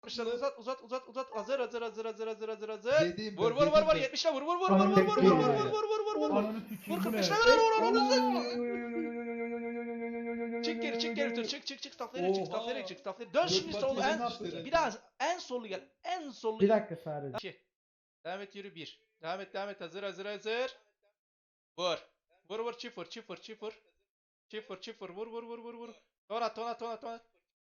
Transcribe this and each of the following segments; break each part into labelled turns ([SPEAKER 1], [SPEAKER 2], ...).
[SPEAKER 1] 60'lar uzat. Hazır.
[SPEAKER 2] Z'deyim ben,
[SPEAKER 1] Vur.
[SPEAKER 2] Z'deyim ben.
[SPEAKER 1] 70'le vur.
[SPEAKER 3] Ananı sikeyim ya.
[SPEAKER 1] Vur.
[SPEAKER 3] Ananı sikeyim
[SPEAKER 1] Vur
[SPEAKER 3] bu ne?
[SPEAKER 1] 45'le vur. Çık geri bir tur. Çık. Staflara çık. Dön şimdi
[SPEAKER 2] Dört
[SPEAKER 1] sol
[SPEAKER 2] partiye
[SPEAKER 1] en
[SPEAKER 2] yapmışlar.
[SPEAKER 1] bir daha en sollu gel. En sollu
[SPEAKER 4] Bir
[SPEAKER 1] gel.
[SPEAKER 4] dakika sadece.
[SPEAKER 1] 2. Devam et yürü 1. Devam et hazır. Vur. Çift vur. Vur. Tona.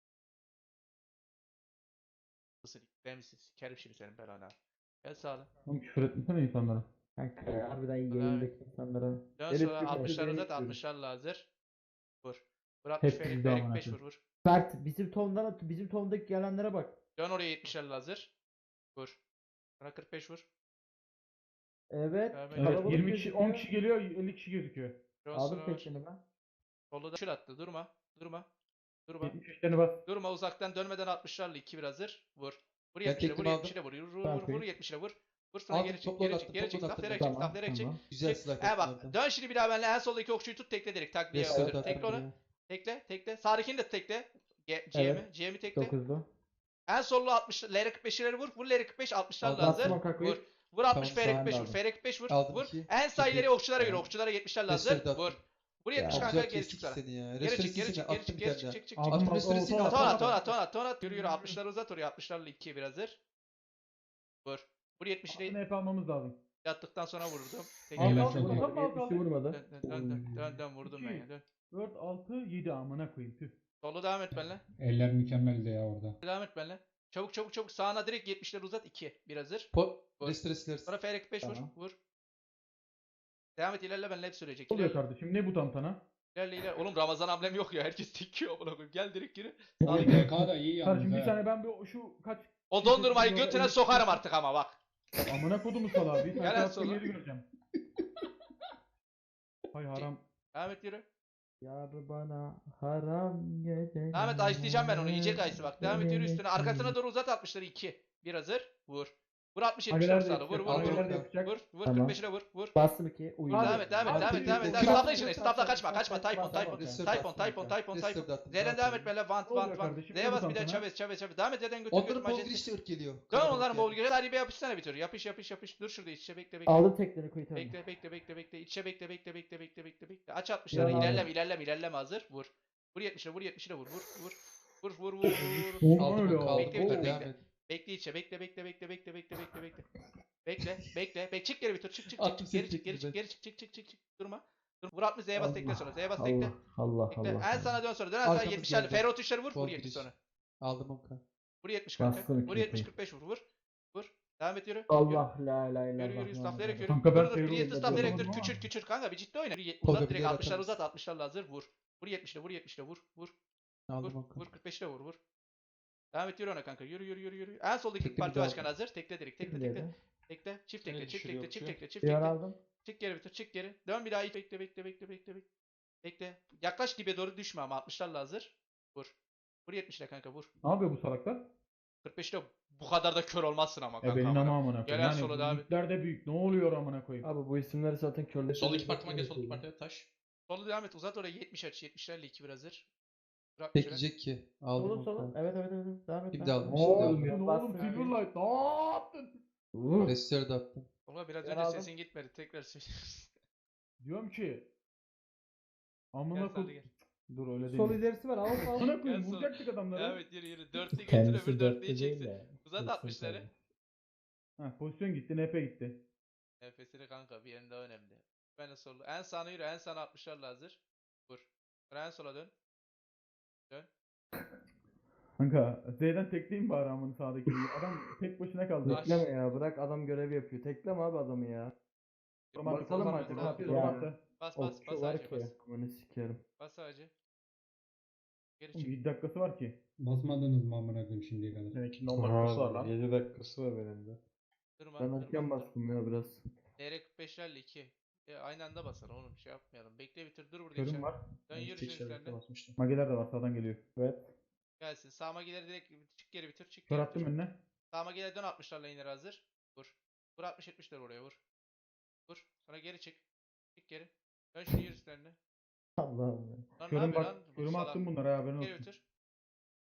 [SPEAKER 1] Nasıl ben misin? Sikerim şimdi senin belanı. Gel sağla.
[SPEAKER 3] Oğlum küfür etmesene insanlara.
[SPEAKER 4] Kanka harbiden yayındaki insanlara.
[SPEAKER 1] Dön
[SPEAKER 4] Elif
[SPEAKER 1] sonra
[SPEAKER 4] bir
[SPEAKER 1] 60'lar
[SPEAKER 4] kere
[SPEAKER 1] uzat.
[SPEAKER 4] yayın
[SPEAKER 1] 60'larla hazır. Vur. Vur 60
[SPEAKER 3] Hep
[SPEAKER 1] ferik
[SPEAKER 3] bizde amına
[SPEAKER 1] 5
[SPEAKER 3] koyayım.
[SPEAKER 1] vur.
[SPEAKER 4] Mert bizim tondaki gelenlere bak.
[SPEAKER 1] Dön oraya 70'lerle hazır. Vur. Sonra 45 vur.
[SPEAKER 4] Evet.
[SPEAKER 1] Evet,
[SPEAKER 3] Evet
[SPEAKER 4] kalabalık
[SPEAKER 3] 20 kişi
[SPEAKER 4] gözüküyor.
[SPEAKER 3] 10 kişi geliyor 50 kişi gözüküyor.
[SPEAKER 1] Dön
[SPEAKER 4] Aldım
[SPEAKER 1] sonra vur.
[SPEAKER 4] tekini ben.
[SPEAKER 1] Solda da şur attı. Durma.
[SPEAKER 3] 70'lerini bas.
[SPEAKER 1] Durma uzaktan dönmeden 60'larla 2 bir hazır. Vur. Vur
[SPEAKER 2] Ben
[SPEAKER 1] 70'le vur
[SPEAKER 2] tekniğimi
[SPEAKER 1] 70'le vur.
[SPEAKER 4] Tamam,
[SPEAKER 1] Vur 70'le vur. Vur sonra
[SPEAKER 2] Aldım,
[SPEAKER 1] geri çık.
[SPEAKER 2] topla
[SPEAKER 1] Geri
[SPEAKER 2] attım,
[SPEAKER 1] çık.
[SPEAKER 2] topla attım.
[SPEAKER 1] Staflara çık.
[SPEAKER 2] Güzel
[SPEAKER 1] Çık.
[SPEAKER 2] silah
[SPEAKER 1] Bak
[SPEAKER 2] yaptın.
[SPEAKER 1] dön şimdi bir daha benimle en soldaki okçuyu tut tekle direkt takviye
[SPEAKER 2] Restart
[SPEAKER 1] yaptır.
[SPEAKER 2] attım.
[SPEAKER 1] Tekle onu. Tekle. Sağdakini de tekle.
[SPEAKER 4] Evet.
[SPEAKER 1] GM'i tekle.
[SPEAKER 4] 9'lu.
[SPEAKER 1] En sollu 60 L45'leri vur. Vur L45 60'larla
[SPEAKER 2] Aldım.
[SPEAKER 1] hazır.
[SPEAKER 4] Bastım o kakoyu.
[SPEAKER 1] Vur. Vur 60
[SPEAKER 2] Tamam,
[SPEAKER 1] F45
[SPEAKER 4] sağ
[SPEAKER 1] vur.
[SPEAKER 4] aldım.
[SPEAKER 1] F45 vur.
[SPEAKER 2] Aldım
[SPEAKER 1] Vur.
[SPEAKER 2] iki.
[SPEAKER 1] En sağ ileri
[SPEAKER 2] Çekil.
[SPEAKER 1] okçulara göre.
[SPEAKER 4] Tamam.
[SPEAKER 1] Okçulara 70'lerle
[SPEAKER 2] Restart
[SPEAKER 1] hazır.
[SPEAKER 2] attım.
[SPEAKER 1] Vur. Vur 70
[SPEAKER 2] Çok
[SPEAKER 1] kanka
[SPEAKER 2] güzel
[SPEAKER 1] geri
[SPEAKER 2] kestik
[SPEAKER 1] çık sonra.
[SPEAKER 2] seni ya.
[SPEAKER 1] Geri çık.
[SPEAKER 2] Restorasyon
[SPEAKER 1] Çık.
[SPEAKER 4] Aldım,
[SPEAKER 2] Attım
[SPEAKER 4] aldım,
[SPEAKER 2] restorasyon.
[SPEAKER 4] aldım.
[SPEAKER 1] Tona. Yürü 60'ları uzat oraya. 60'larla 2'ye bir hazır. Vur. Vur 70'i
[SPEAKER 3] Altını hep almamız lazım.
[SPEAKER 1] yattıktan sonra vurdum. Tek
[SPEAKER 3] Al,
[SPEAKER 1] elle.
[SPEAKER 3] al,
[SPEAKER 1] Dön
[SPEAKER 3] al, al, al.
[SPEAKER 4] 70'i vurmadı.
[SPEAKER 1] vurdum ben ya. Dön.
[SPEAKER 3] 4, 6, 7 amına koyayım. Tüh.
[SPEAKER 1] Solu devam et benimle.
[SPEAKER 5] Eller mükemmeldi ya orada.
[SPEAKER 1] Devam et benimle. Çabuk. Sağına direkt 70'leri uzat 2. Bir hazır. Vur.
[SPEAKER 2] Restorasyon.
[SPEAKER 1] Sonra F45 vur.
[SPEAKER 4] Tamam.
[SPEAKER 1] Vur. Devam et ilerle benimle hep sürecek.
[SPEAKER 3] Ne oluyor
[SPEAKER 1] İlerle.
[SPEAKER 3] kardeşim? Ne bu tantana?
[SPEAKER 1] İlerle. Oğlum Ramazan amblem yok ya. Herkes tekiyor amına koyayım. Gel direkt geri.
[SPEAKER 5] Oğlum PK da iyi
[SPEAKER 3] Kardeşim
[SPEAKER 5] yalnız
[SPEAKER 3] bir
[SPEAKER 5] ha.
[SPEAKER 3] saniye ben bir şu kaç...
[SPEAKER 1] O dondurmayı
[SPEAKER 3] Orada
[SPEAKER 1] götüne
[SPEAKER 3] elli-
[SPEAKER 1] sokarım artık ama bak.
[SPEAKER 3] Amına kodumu salağı. Bir
[SPEAKER 1] Gel
[SPEAKER 3] tane
[SPEAKER 1] en
[SPEAKER 3] attığım
[SPEAKER 1] sola.
[SPEAKER 3] yeri göreceğim. Hay haram.
[SPEAKER 1] Devam et yürü.
[SPEAKER 4] Yar bana haram gece.
[SPEAKER 1] Devam et ice'leyeceğim ben onu. Yiyecek ice'ı bak. Devam et yürü üstüne. Arkasına doğru uzat 60'ları 2. Bir hazır. Vur. Vur 60 70
[SPEAKER 3] Ageler de
[SPEAKER 1] sağla. Vur.
[SPEAKER 3] yapacak. Ageler de
[SPEAKER 2] Vur.
[SPEAKER 3] yapacak.
[SPEAKER 1] Vur
[SPEAKER 4] Tamam.
[SPEAKER 1] 45'ine vur.
[SPEAKER 4] Bastım 2. Uyuyor.
[SPEAKER 1] Devam et. Stafla işine. Stafla kaçma. Tayfun. Z'den devam et böyle. Vant.
[SPEAKER 3] kardeşim?
[SPEAKER 1] Z'ye
[SPEAKER 3] Ne
[SPEAKER 1] bas
[SPEAKER 3] bu
[SPEAKER 1] bir de
[SPEAKER 3] tantana?
[SPEAKER 1] Chavez. Devam et Z'den götür.
[SPEAKER 2] Onların bol girişte ırk geliyor.
[SPEAKER 1] Dön onların bol gel. Hadi bir yapışsana bir tür. Yapış. Dur şurada iç içe bekle.
[SPEAKER 4] Aldım tekleri kuyu tamam.
[SPEAKER 1] Bekle. İç içe bekle. Aç 60'ları. İlerleme hazır. Vur. Vur 70'le vur. Vur.
[SPEAKER 3] Oğlum
[SPEAKER 2] Aldım
[SPEAKER 3] öyle
[SPEAKER 2] onu,
[SPEAKER 3] al.
[SPEAKER 2] kaldım.
[SPEAKER 1] Bekle,
[SPEAKER 2] Hadi devam et.
[SPEAKER 1] Bekle içe. Bekle. Bekle. Çık geri bir tur. Çık.
[SPEAKER 2] Attım seni,
[SPEAKER 1] Geri çık. Durma. Vur 60 Z'ye bas tekle sonra. Z'ye bas tekle.
[SPEAKER 4] Allah
[SPEAKER 1] Bekle.
[SPEAKER 4] Allah.
[SPEAKER 1] En sana dön sonra. Dön en sana
[SPEAKER 2] Arkamız
[SPEAKER 1] 70'lerle.
[SPEAKER 2] geldi.
[SPEAKER 1] Ferro tuşları vur.
[SPEAKER 2] Bol
[SPEAKER 1] Vur 70
[SPEAKER 2] giriş.
[SPEAKER 1] sonra.
[SPEAKER 2] Aldım Okan.
[SPEAKER 1] Vur 70 kanka.
[SPEAKER 4] Bastım
[SPEAKER 1] Vur
[SPEAKER 4] ikiyi.
[SPEAKER 1] 70 45 vur. Devam et yürü.
[SPEAKER 4] Allah la la la.
[SPEAKER 1] Yürü. Staflayarak yürü.
[SPEAKER 3] Kanka ben
[SPEAKER 1] Dur.
[SPEAKER 3] Ferro'yu
[SPEAKER 1] Bir
[SPEAKER 3] da
[SPEAKER 1] staflayarak
[SPEAKER 3] yapamam
[SPEAKER 1] dur.
[SPEAKER 3] ama.
[SPEAKER 1] Küçül kanka bir ciddi oyna. Uzat
[SPEAKER 2] Olabilir,
[SPEAKER 1] direkt 60'lar
[SPEAKER 2] atamaz.
[SPEAKER 1] uzat 60'larla hazır. Vur. Vur 70'le vur.
[SPEAKER 2] Aldım Okan.
[SPEAKER 1] Vur 45'le vur. Devam et yürü ona kanka. Yürü. En soldaki
[SPEAKER 2] Tekle
[SPEAKER 1] parti
[SPEAKER 2] bir daha
[SPEAKER 1] başkanı hazır. Tekle direkt. Tekle. Çift tekle.
[SPEAKER 4] Yar aldım.
[SPEAKER 1] Çık geri. Dön bir daha iyi. Bekle. Yaklaş dibe doğru düşme ama 60'larla hazır. Vur. Vur 70'le kanka vur.
[SPEAKER 3] Ne yapıyor bu salaklar?
[SPEAKER 1] 45'le bu kadar da kör olmazsın ama kanka.
[SPEAKER 3] Benim
[SPEAKER 1] amına.
[SPEAKER 3] amına
[SPEAKER 1] Gel
[SPEAKER 3] koyayım.
[SPEAKER 1] en sola
[SPEAKER 3] Yani
[SPEAKER 1] devam
[SPEAKER 3] bu
[SPEAKER 1] et.
[SPEAKER 3] ligler de büyük. Ne oluyor amına koyayım?
[SPEAKER 4] Abi bu isimleri zaten körler.
[SPEAKER 5] Sol iki partıma gel, sol iki partıya taş.
[SPEAKER 1] Solu devam et. Uzat oraya 70 aç. 70'lerle 2 bir hazır. Vur 60'lara.
[SPEAKER 2] Bekleyecek ki. Aldım
[SPEAKER 4] Solun solun.
[SPEAKER 2] Okan.
[SPEAKER 4] Evet. Devam et.
[SPEAKER 2] Şimdi aldım.
[SPEAKER 3] Oğlum
[SPEAKER 2] Şimdi
[SPEAKER 3] ne
[SPEAKER 2] aldım.
[SPEAKER 3] oğlum Silverlight ne yaptın?
[SPEAKER 2] Restore de attım.
[SPEAKER 1] Oğlum biraz
[SPEAKER 4] Ben
[SPEAKER 1] önce
[SPEAKER 4] aldım.
[SPEAKER 1] sesin gitmedi. Tekrar söyle.
[SPEAKER 3] Diyorum ki.
[SPEAKER 1] Gel
[SPEAKER 3] Amına
[SPEAKER 1] sağda
[SPEAKER 3] koy.
[SPEAKER 1] gel.
[SPEAKER 3] Dur öyle değil.
[SPEAKER 4] Sol ilerisi var. Al.
[SPEAKER 3] Amına koyayım
[SPEAKER 1] Gel sol.
[SPEAKER 3] vuracaktık adamları.
[SPEAKER 1] Evet yürü. Dörtlü getir
[SPEAKER 4] Kendisi
[SPEAKER 1] öbür
[SPEAKER 4] dörtlü
[SPEAKER 1] dörtlüyü
[SPEAKER 4] değil
[SPEAKER 1] çeksin.
[SPEAKER 4] de.
[SPEAKER 1] Uzat 60'ları.
[SPEAKER 3] Ha, pozisyon gitti, NP gitti.
[SPEAKER 1] Nefesini kanka bir yerinde önemli. Ben de solu. En sağına yürü. En sağına 60'larla hazır. Vur. Sonra en sola dön.
[SPEAKER 3] Kanka Z'den tekleyeyim bari amını sağdaki. Adam tek başına kaldı.
[SPEAKER 1] Baş.
[SPEAKER 4] Tekleme ya. Bırak adam görev yapıyor. Tekleme abi adamı ya. Bakalım
[SPEAKER 1] Bakalım
[SPEAKER 4] artık.
[SPEAKER 1] ne
[SPEAKER 3] Artık
[SPEAKER 1] yapıyor.
[SPEAKER 3] baktı.
[SPEAKER 1] Bas
[SPEAKER 4] Okçu var
[SPEAKER 1] ağacı
[SPEAKER 4] ki.
[SPEAKER 1] bas.
[SPEAKER 4] Amanı sikerim.
[SPEAKER 1] Bas ağacı. Geri
[SPEAKER 3] Oğlum,
[SPEAKER 1] çık.
[SPEAKER 3] 7 dakikası var ki.
[SPEAKER 5] Basmadınız mı amına koyayım şimdiye kadar?
[SPEAKER 6] Seninkinin 10 dakikası var lan.
[SPEAKER 7] 7 dakikası var benim de.
[SPEAKER 1] Durma.
[SPEAKER 4] Ben erken bastım ya biraz.
[SPEAKER 1] DR45'lerle 2. Aynı anda basar oğlum şey yapmayalım. Bekle bitir dur burada
[SPEAKER 3] Körüm
[SPEAKER 1] içeri.
[SPEAKER 3] var.
[SPEAKER 1] Dön
[SPEAKER 6] Ben
[SPEAKER 1] yürü
[SPEAKER 6] tek
[SPEAKER 1] şimdi
[SPEAKER 6] şerbete
[SPEAKER 1] üstlerine.
[SPEAKER 6] basmıştım.
[SPEAKER 3] Mageler de var sağdan geliyor.
[SPEAKER 4] Evet.
[SPEAKER 1] Gelsin. Sağıma gelir direkt çık geri bitir.
[SPEAKER 3] Kör attım önüne.
[SPEAKER 1] Sağıma gelir dön 60'larla iner hazır. Vur. Vur 60-70'ler oraya vur. Vur. Sonra geri çık. Çık geri. Dön şimdi yürü üstlerine.
[SPEAKER 4] Allah'ım ya.
[SPEAKER 1] Lan ne
[SPEAKER 3] Körüm
[SPEAKER 1] yapıyor
[SPEAKER 3] bak.
[SPEAKER 1] lan? Bu
[SPEAKER 3] Körüm
[SPEAKER 1] salak.
[SPEAKER 3] attım bunlara haberin
[SPEAKER 1] Geri
[SPEAKER 3] olsun.
[SPEAKER 1] bitir.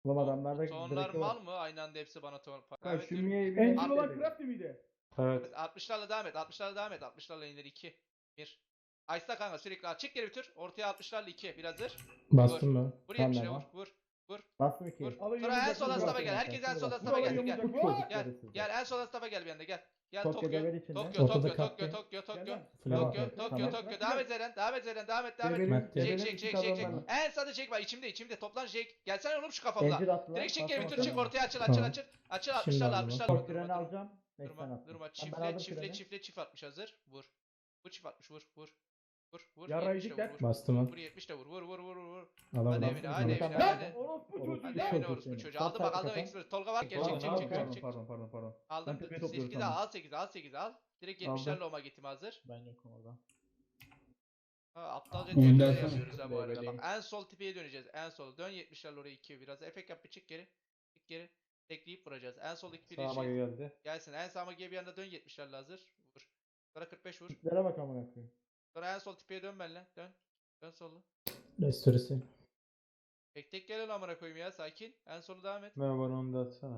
[SPEAKER 4] Oğlum adamlarda
[SPEAKER 1] Tonlar
[SPEAKER 4] direkt
[SPEAKER 1] mal
[SPEAKER 4] var.
[SPEAKER 1] mı? Aynı anda hepsi bana ton.
[SPEAKER 4] Ha,
[SPEAKER 1] Evet,
[SPEAKER 4] şu
[SPEAKER 1] yürü.
[SPEAKER 4] Mia'yı bir
[SPEAKER 3] Angel olan
[SPEAKER 4] edelim.
[SPEAKER 3] Crafty miydi?
[SPEAKER 6] Evet.
[SPEAKER 1] 60'larla devam et. 60'larla devam et. 60'larla indir 2. 1. Ice'da kanka sürekli at. Çık geri bir tur. Ortaya 60'larla 2. Bir hazır.
[SPEAKER 2] Bastım ben.
[SPEAKER 1] Vur
[SPEAKER 4] Tamam,
[SPEAKER 1] 70'le
[SPEAKER 4] devam.
[SPEAKER 1] vur. Vur.
[SPEAKER 4] Bastım 2.
[SPEAKER 1] Vur.
[SPEAKER 3] Alın
[SPEAKER 1] Sonra en
[SPEAKER 3] yumruk
[SPEAKER 1] sol
[SPEAKER 3] atın,
[SPEAKER 1] staff'a
[SPEAKER 3] bırakın.
[SPEAKER 1] gel. Herkes en sol
[SPEAKER 4] Bırakın.
[SPEAKER 1] staff'a gel.
[SPEAKER 3] Buraları
[SPEAKER 1] Gel.
[SPEAKER 3] yumruk
[SPEAKER 4] Bu
[SPEAKER 3] atın.
[SPEAKER 1] Gel.
[SPEAKER 4] çocukları sizde.
[SPEAKER 1] Gel en sol staff'a gel bir anda gel. Gel
[SPEAKER 4] Tokyo
[SPEAKER 1] Tokyo.
[SPEAKER 4] devir içinde.
[SPEAKER 1] Tokyo,
[SPEAKER 2] Ortada
[SPEAKER 1] Tokyo,
[SPEAKER 2] kaptı.
[SPEAKER 1] Tokyo.
[SPEAKER 3] Gel lan.
[SPEAKER 2] Flash.
[SPEAKER 1] Tokyo, Tokyo,
[SPEAKER 4] Tamam.
[SPEAKER 1] Tokyo. Devam et Zeren. Devam et Zeren. Devam et.
[SPEAKER 4] Devir-
[SPEAKER 2] Mert
[SPEAKER 1] Çek,
[SPEAKER 2] Devir
[SPEAKER 1] çek, çek, çek, çek. En sağda çek var. İçimde. Toplan çek. Gelsene oğlum şu kafamda.
[SPEAKER 4] Angel attılar.
[SPEAKER 1] Direkt çek geri bir tur
[SPEAKER 4] Bastım
[SPEAKER 1] çık
[SPEAKER 4] bakalım.
[SPEAKER 1] ortaya açıl.
[SPEAKER 2] Tamam.
[SPEAKER 1] Açıl
[SPEAKER 2] Şimdi
[SPEAKER 1] 60'larla
[SPEAKER 2] aldım.
[SPEAKER 1] 60'larla.
[SPEAKER 4] Top treni alacağım. Neyse sen
[SPEAKER 1] Durma.
[SPEAKER 4] attın.
[SPEAKER 1] Durma.
[SPEAKER 4] Tamam, ben aldım
[SPEAKER 1] Çifle
[SPEAKER 4] treni.
[SPEAKER 1] çift 60 hazır. Vur. Vur çift 60 vur. Vur.
[SPEAKER 3] Ya
[SPEAKER 1] 70'le
[SPEAKER 3] Raycikler.
[SPEAKER 1] vur.
[SPEAKER 2] Bastım ben.
[SPEAKER 1] Vur 70'le vur.
[SPEAKER 2] Alamadım.
[SPEAKER 1] Hadi evine, hadi evine,
[SPEAKER 4] Tamam.
[SPEAKER 1] hadi.
[SPEAKER 3] Lan orospu
[SPEAKER 4] Orospu
[SPEAKER 3] çocuğu
[SPEAKER 1] Hadi
[SPEAKER 3] ya.
[SPEAKER 1] evine
[SPEAKER 4] Çok
[SPEAKER 1] orospu
[SPEAKER 4] iyi.
[SPEAKER 1] çocuğu.
[SPEAKER 4] Sağ
[SPEAKER 1] Aldım bak aldım
[SPEAKER 4] tarafa
[SPEAKER 1] expert. Tolga var gel
[SPEAKER 3] Pardon,
[SPEAKER 1] çek.
[SPEAKER 3] pardon.
[SPEAKER 1] Aldım.
[SPEAKER 3] Ben tepeye topluyorum
[SPEAKER 1] 8'i
[SPEAKER 3] sandım.
[SPEAKER 1] al 8'i al. Direkt 70'lerle oma gittim hazır.
[SPEAKER 6] Ben yokum orada.
[SPEAKER 1] Aptalca
[SPEAKER 5] Oyundan
[SPEAKER 1] tepkiler
[SPEAKER 5] sonra
[SPEAKER 1] yapıyoruz ha bu arada.
[SPEAKER 6] BB'leyim.
[SPEAKER 1] Bak en sol tipeye döneceğiz. En sola dön 70'lerle oraya 2 biraz. Efekt yap bir çık geri. Çık geri. Tekleyip vuracağız. En soldaki piri
[SPEAKER 6] Sağıma geldi.
[SPEAKER 1] gelsin. En sağıma bir anda dön 70'lerle hazır. Vur. Sonra 45 vur.
[SPEAKER 4] Tiplere bak amına koyayım.
[SPEAKER 1] Sonra en sol tipeye dön benimle. Dön. Dön solla.
[SPEAKER 2] Restoresi.
[SPEAKER 1] Tek gel lan amına koyayım ya sakin. En solu devam et.
[SPEAKER 6] Merhaba onu da atsana.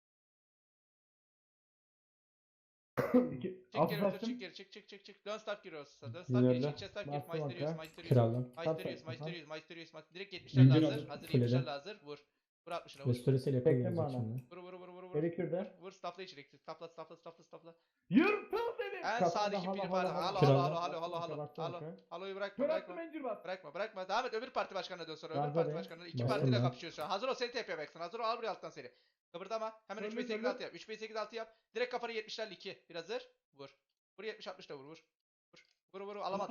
[SPEAKER 3] İki.
[SPEAKER 1] Çık geri
[SPEAKER 3] Altı
[SPEAKER 1] otur
[SPEAKER 3] açtım.
[SPEAKER 1] çık geri çık. Dön staff giriyoruz. Dön staff
[SPEAKER 6] İlerle.
[SPEAKER 1] gir çık staff gir.
[SPEAKER 4] Bastım
[SPEAKER 1] Maesterius.
[SPEAKER 4] kanka.
[SPEAKER 2] Kralım.
[SPEAKER 1] Maesterius. Direkt
[SPEAKER 5] İncir
[SPEAKER 1] 70'lerle hazır.
[SPEAKER 5] aldım.
[SPEAKER 1] Hazır
[SPEAKER 2] Fulledim.
[SPEAKER 1] 70'lerle hazır. Vur. Vur 60'ına vur.
[SPEAKER 2] Restoresiyle
[SPEAKER 4] Bekle
[SPEAKER 2] yapıyor
[SPEAKER 4] bana.
[SPEAKER 2] şimdi.
[SPEAKER 1] Vur.
[SPEAKER 4] Gerekirde.
[SPEAKER 1] Vur staffla içeri. Staffla.
[SPEAKER 3] Yırtıl seni.
[SPEAKER 1] En
[SPEAKER 4] Kafada
[SPEAKER 1] sağdaki
[SPEAKER 4] hala,
[SPEAKER 1] pili
[SPEAKER 4] hala,
[SPEAKER 1] var.
[SPEAKER 4] hala.
[SPEAKER 1] Halo. Halo'yu bırakma.
[SPEAKER 3] Kör attım Angel bas.
[SPEAKER 1] Bırakma. Devam et öbür parti başkanına dön sonra.
[SPEAKER 4] Ben
[SPEAKER 1] Öbür parti
[SPEAKER 4] de.
[SPEAKER 1] başkanına. İki
[SPEAKER 2] Bastım
[SPEAKER 1] partiyle
[SPEAKER 2] ben.
[SPEAKER 1] kapışıyor şu an. Hazır ol seni TP'ye baksın. Hazır ol al buraya alttan seri. Kıpırdama. Hemen 3
[SPEAKER 3] Döndü,
[SPEAKER 1] 5 8
[SPEAKER 3] döndü.
[SPEAKER 1] 6 yap. 3 5 8 6 yap. Direkt kafanı 70'lerle 2. Bir hazır. Vur. Vur 70 60 da vur. Vur. Alamadı.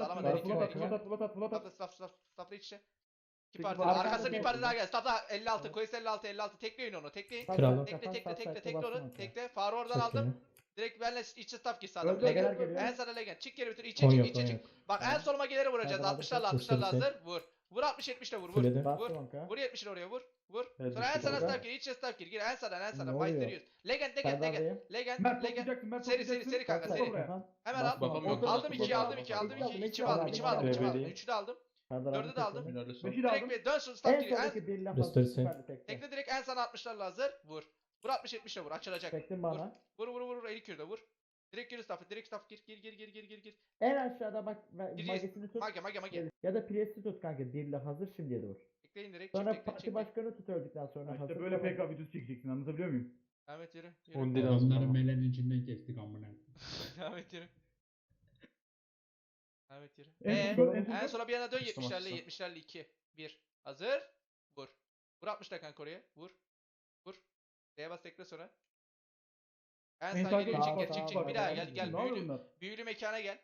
[SPEAKER 1] Stafla iç içe. İki parti.
[SPEAKER 4] Arkada
[SPEAKER 1] Arkasında bir
[SPEAKER 4] tek-
[SPEAKER 1] parti daha gel. Stafla 56. Koyus 56. Tekleyin onu. Tekleyin.
[SPEAKER 2] Kralım.
[SPEAKER 1] Tekle onu. Tekle. Farı oradan
[SPEAKER 2] Çok
[SPEAKER 1] aldım.
[SPEAKER 2] iyi.
[SPEAKER 1] Direkt benle içe staff gir sağdan.
[SPEAKER 3] Öldü,
[SPEAKER 1] Legend.
[SPEAKER 4] geliyor.
[SPEAKER 1] En sana legend. Çık geri bitir.
[SPEAKER 2] On
[SPEAKER 1] İçe
[SPEAKER 2] yok,
[SPEAKER 1] çık.
[SPEAKER 2] on
[SPEAKER 1] İçe çık.
[SPEAKER 2] yok.
[SPEAKER 1] Bak en soluma gelir vuracağız.
[SPEAKER 4] Hadi,
[SPEAKER 1] 60'larla
[SPEAKER 2] hadi.
[SPEAKER 1] 60'larla
[SPEAKER 2] Gösterisi.
[SPEAKER 1] hazır. Vur. Vur 60 70'le vur.
[SPEAKER 2] Fulledim.
[SPEAKER 1] Vur.
[SPEAKER 4] Bastım kanka.
[SPEAKER 1] Vur 70'le oraya vur. Vur.
[SPEAKER 6] Evet,
[SPEAKER 1] Sonra en
[SPEAKER 6] düştü
[SPEAKER 1] sana
[SPEAKER 4] orada.
[SPEAKER 1] staff gir. İçe staff gir. Gir en sağdan.
[SPEAKER 4] Ne oluyor?
[SPEAKER 1] Maesterius. Legend.
[SPEAKER 4] Serdardayım.
[SPEAKER 1] Legend.
[SPEAKER 3] Mert
[SPEAKER 1] Legend.
[SPEAKER 3] toplayacaksın. Mert
[SPEAKER 1] Seri
[SPEAKER 3] toplayacaksın.
[SPEAKER 1] kanka
[SPEAKER 3] Bas
[SPEAKER 1] seri.
[SPEAKER 3] buraya.
[SPEAKER 1] Hemen
[SPEAKER 4] Bastım.
[SPEAKER 1] al.
[SPEAKER 6] Babam yok.
[SPEAKER 1] Aldım 2'yi aldım
[SPEAKER 4] Aldım.
[SPEAKER 1] 2. 2'yi aldım. 2'yi aldım.
[SPEAKER 6] Bebeğim.
[SPEAKER 1] 3'ü de aldım.
[SPEAKER 4] Serdar
[SPEAKER 1] 4'ü de aldım.
[SPEAKER 6] Minörlü son.
[SPEAKER 3] Beşi de aldım.
[SPEAKER 1] Direkt bir dön staff
[SPEAKER 4] En
[SPEAKER 1] gir. En
[SPEAKER 4] soldaki bir laf
[SPEAKER 2] Restoresi.
[SPEAKER 4] süperli tekte.
[SPEAKER 1] tekle direkt en sana 60'larla hazır. Vur. Vur 60 70'le vur. Açılacak.
[SPEAKER 4] Tektim
[SPEAKER 1] Vur.
[SPEAKER 4] bana.
[SPEAKER 1] Vur. Eli kürde vur. Direkt gir staff. Direkt staff gir.
[SPEAKER 4] En aşağıda bak
[SPEAKER 1] Giriyor.
[SPEAKER 4] magesini tut.
[SPEAKER 1] Mage.
[SPEAKER 4] Ya da presi tut kanka. Birle hazır şimdiye de vur.
[SPEAKER 1] Tekleyin direkt.
[SPEAKER 4] Sonra
[SPEAKER 1] Çift
[SPEAKER 4] parti
[SPEAKER 1] tekle.
[SPEAKER 4] başkanı tut öldükten sonra hazır.
[SPEAKER 3] İşte böyle PK videosu çekeceksin. Anlatabiliyor muyum?
[SPEAKER 1] Ahmet yürü.
[SPEAKER 6] Undi lazım
[SPEAKER 5] Adamları
[SPEAKER 6] bana.
[SPEAKER 5] melenin içinden kestik amına.
[SPEAKER 1] Ahmet yürü. Ahmet yürü.
[SPEAKER 3] En
[SPEAKER 1] En sona bir yana dön
[SPEAKER 6] Açtım,
[SPEAKER 1] 70'lerle
[SPEAKER 6] açtım.
[SPEAKER 1] 70'lerle 2. 1. Hazır. Vur. Vur 60'la kanka oraya. Vur. D'ye bas tekle sonra. En sağ geliyor. Çık. Bir daha gel.
[SPEAKER 3] Ne oluyor bunlar?
[SPEAKER 1] Büyülü mekana gel.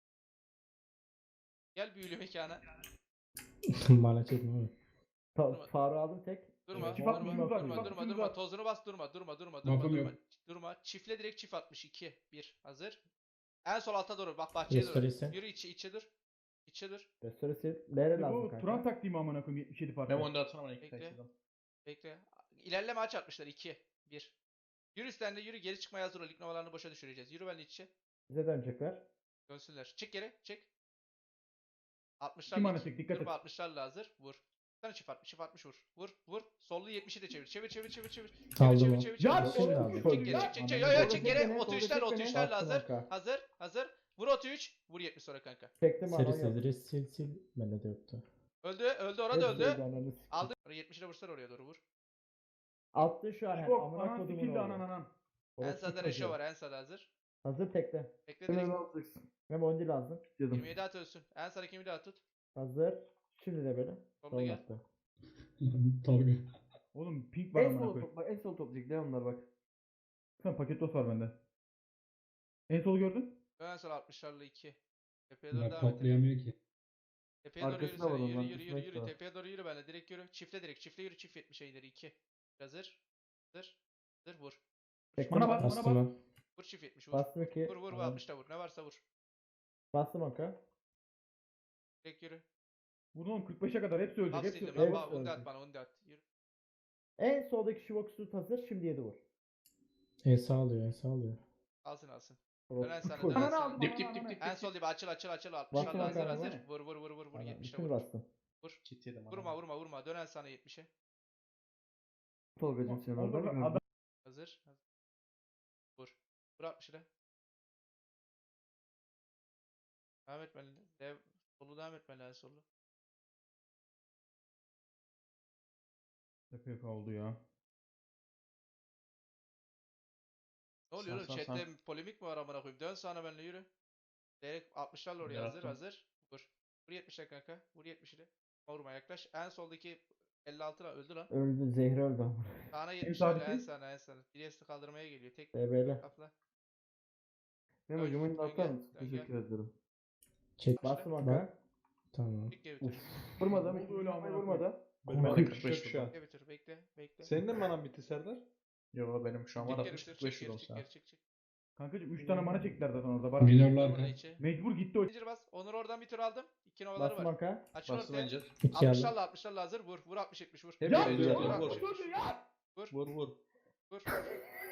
[SPEAKER 1] Gel büyülü mekana.
[SPEAKER 2] Bana çekme oğlum.
[SPEAKER 4] Faruk aldım tek.
[SPEAKER 1] Durma.
[SPEAKER 3] Çift atmışsınız var, çift
[SPEAKER 1] Durma.
[SPEAKER 3] atmışsınız var.
[SPEAKER 1] Tozunu bas. Durma.
[SPEAKER 5] Lafım yok.
[SPEAKER 1] Durma. Çiftle direkt çift 62. 1. Hazır. En sol alta doğru. Bak bahçeye doğru.
[SPEAKER 2] Restoresi.
[SPEAKER 1] Yürü içe dur.
[SPEAKER 4] Restoresi. Lere lazım
[SPEAKER 3] Bu
[SPEAKER 4] kanka.
[SPEAKER 3] Turan taktiği mi amına koyayım 77 parti?
[SPEAKER 6] Ben onu da atsana bana iki
[SPEAKER 1] Bekle.
[SPEAKER 6] kaçırdım.
[SPEAKER 1] Bekle. İlerleme aç atmışlar 2. 1. Yürü üstten de yürü. Geri çıkmaya hazır ol. İlk novalarını boşa düşüreceğiz. Yürü benimle iç içe.
[SPEAKER 4] Bize dönecekler.
[SPEAKER 1] Dönsünler. Çık geri. Çık. 60'lar.
[SPEAKER 3] Kim anlatacak? Dikkat et.
[SPEAKER 1] Durma 60'larla hazır. Vur. Sana çift 60 vur. Sollu 70'i de çevir. Çevir.
[SPEAKER 2] Aldım o.
[SPEAKER 3] Ya
[SPEAKER 2] Şimdi
[SPEAKER 3] oğlum,
[SPEAKER 2] aldım.
[SPEAKER 1] Çık geri. Yo çık geri. 33'lerle hazır.
[SPEAKER 4] Kanka.
[SPEAKER 1] Hazır. Vur 33. Vur 70 sonra kanka.
[SPEAKER 4] Çektim bana.
[SPEAKER 2] Serisi sil. Bende de yoktu.
[SPEAKER 1] Öldü orada öldü. Aldı. 70'e vursana oraya doğru vur.
[SPEAKER 4] Attı şu an.
[SPEAKER 3] Yok
[SPEAKER 4] Amına
[SPEAKER 3] anan
[SPEAKER 4] kodumun
[SPEAKER 3] sikildi
[SPEAKER 4] oğlu.
[SPEAKER 3] anan.
[SPEAKER 1] En
[SPEAKER 4] Orospu
[SPEAKER 1] sağda
[SPEAKER 4] çocuğu.
[SPEAKER 1] Reşo var. En sağda hazır.
[SPEAKER 4] Hazır tekte.
[SPEAKER 1] Bekle direkt.
[SPEAKER 4] Hem 10 lazım.
[SPEAKER 1] 27 at ölsün. En sağdaki kimi daha tut.
[SPEAKER 4] Hazır. Şimdi de böyle.
[SPEAKER 1] Solda
[SPEAKER 4] Sol
[SPEAKER 1] gel.
[SPEAKER 4] attı.
[SPEAKER 5] Tolga.
[SPEAKER 3] Oğlum pink var amına koyayım.
[SPEAKER 4] En sol toplayacak. Ne onlar bak.
[SPEAKER 3] Sen paket dost var bende. En sol gördün?
[SPEAKER 1] En sol 60'larla 2. Tepeye doğru
[SPEAKER 5] Bunlar
[SPEAKER 1] devam et.
[SPEAKER 5] toplayamıyor ki.
[SPEAKER 1] Tepeye doğru yürü
[SPEAKER 4] Arkasında var
[SPEAKER 1] sen.
[SPEAKER 4] onların,
[SPEAKER 1] Yürü.
[SPEAKER 4] kısmet var.
[SPEAKER 1] Tepeye doğru yürü benimle. Direkt yürü. Çiftle yürü. Çift 70'e ileri 2. Hazır. Vur.
[SPEAKER 4] Tekme
[SPEAKER 3] Bana bak.
[SPEAKER 2] Bastım ben.
[SPEAKER 1] Vur çift 70 vur.
[SPEAKER 4] Bastım 2.
[SPEAKER 1] Vur 60'ta vur. Ne varsa vur.
[SPEAKER 4] Bastım oka.
[SPEAKER 1] Direkt yürü.
[SPEAKER 3] Bunu oğlum 45'e kadar hepsi ölecek.
[SPEAKER 1] Bas
[SPEAKER 3] Hepsi
[SPEAKER 1] sildim.
[SPEAKER 3] ölecek.
[SPEAKER 1] Baba undi at bana. Yürü.
[SPEAKER 4] En soldaki Shivox tut hazır. Şimdi 7 vur.
[SPEAKER 2] En sağ alıyor.
[SPEAKER 1] Alsın.
[SPEAKER 4] Orospu
[SPEAKER 1] Dönen sana,
[SPEAKER 4] çocuğu.
[SPEAKER 1] dönen
[SPEAKER 3] Ananı
[SPEAKER 1] sana.
[SPEAKER 3] aldım.
[SPEAKER 6] Dip,
[SPEAKER 3] ananı,
[SPEAKER 6] dip.
[SPEAKER 1] En sol dibe açıl. 60'larla
[SPEAKER 4] Bastım
[SPEAKER 1] hazır.
[SPEAKER 4] bakalım,
[SPEAKER 1] Hazır.
[SPEAKER 4] değil mi?
[SPEAKER 1] Vur.
[SPEAKER 4] Tamam,
[SPEAKER 1] 70'e
[SPEAKER 4] bütün
[SPEAKER 1] vur.
[SPEAKER 4] bastım.
[SPEAKER 6] Kit yedim.
[SPEAKER 1] Vurma. Dönen sana 70'e.
[SPEAKER 4] Tolga'cım sen orada
[SPEAKER 3] Olur,
[SPEAKER 4] mı?
[SPEAKER 3] adam
[SPEAKER 1] Hazır. Vur. Vur 60 ile. Devam etmeli. Solu devam etmeli en solu.
[SPEAKER 3] tepeye kaldı ya.
[SPEAKER 1] Ne oluyor oğlum?
[SPEAKER 6] Sağ,
[SPEAKER 1] Chat'te polemik mi var amına koyayım? Dön sana benimle yürü. Direkt 60'larla oraya hazır
[SPEAKER 6] Yarattım.
[SPEAKER 1] hazır. Vur. Vur 70'le kanka. Vur 70 ile. Vurma yaklaş. En soldaki 56 lan öldü lan.
[SPEAKER 2] Öldü. Zehri öldü ama.
[SPEAKER 1] Sağına
[SPEAKER 3] En
[SPEAKER 1] 70'lerle
[SPEAKER 3] sağdaki?
[SPEAKER 1] en sağına en sağına. Priest'i kaldırmaya geliyor. Tek
[SPEAKER 2] BB'li.
[SPEAKER 1] kafla.
[SPEAKER 4] Memo'cum oyunu
[SPEAKER 1] Dön
[SPEAKER 4] atar
[SPEAKER 1] gel,
[SPEAKER 4] mısın?
[SPEAKER 1] dön
[SPEAKER 4] Teşekkür ederim.
[SPEAKER 2] Çek.
[SPEAKER 4] Bastım
[SPEAKER 2] Bak.
[SPEAKER 4] Hakan.
[SPEAKER 2] Tamam.
[SPEAKER 1] Tek geri bitir.
[SPEAKER 4] Vurmadım.
[SPEAKER 3] Ne oldu öyle amına
[SPEAKER 4] Vurmadım.
[SPEAKER 6] Benim
[SPEAKER 2] Korkunç.
[SPEAKER 6] bana 45
[SPEAKER 5] Çok
[SPEAKER 6] şu an.
[SPEAKER 1] Geri bitir. Bekle. Bekle.
[SPEAKER 6] Senin de mi manan bitti Serdar? Yo benim şu an var
[SPEAKER 1] Tek geri
[SPEAKER 6] 60
[SPEAKER 1] bitir.
[SPEAKER 6] 45
[SPEAKER 1] Çık geri
[SPEAKER 6] olsa.
[SPEAKER 1] çık geri çık çık.
[SPEAKER 3] Kankacım 3 tane mana çektiler zaten orada. Baran.
[SPEAKER 5] Minörler
[SPEAKER 1] Orada
[SPEAKER 5] arka.
[SPEAKER 1] içi.
[SPEAKER 3] Mecbur gitti o.
[SPEAKER 1] Zincir bas. Onur oradan bir tur aldım. 2 novaları
[SPEAKER 2] Bastım
[SPEAKER 1] var.
[SPEAKER 2] Hakan.
[SPEAKER 1] Açın
[SPEAKER 6] Bastım
[SPEAKER 1] ortaya.
[SPEAKER 6] önce.
[SPEAKER 2] 2 aldı.
[SPEAKER 1] 60'larla 60'larla hazır. Vur. Vur 60 70 vur.
[SPEAKER 6] Hep
[SPEAKER 3] Ya
[SPEAKER 6] öldüler.
[SPEAKER 1] vur,
[SPEAKER 6] Vur
[SPEAKER 1] vur,
[SPEAKER 6] vur.
[SPEAKER 1] vur. Vur.
[SPEAKER 6] Vur vur.
[SPEAKER 1] Vur.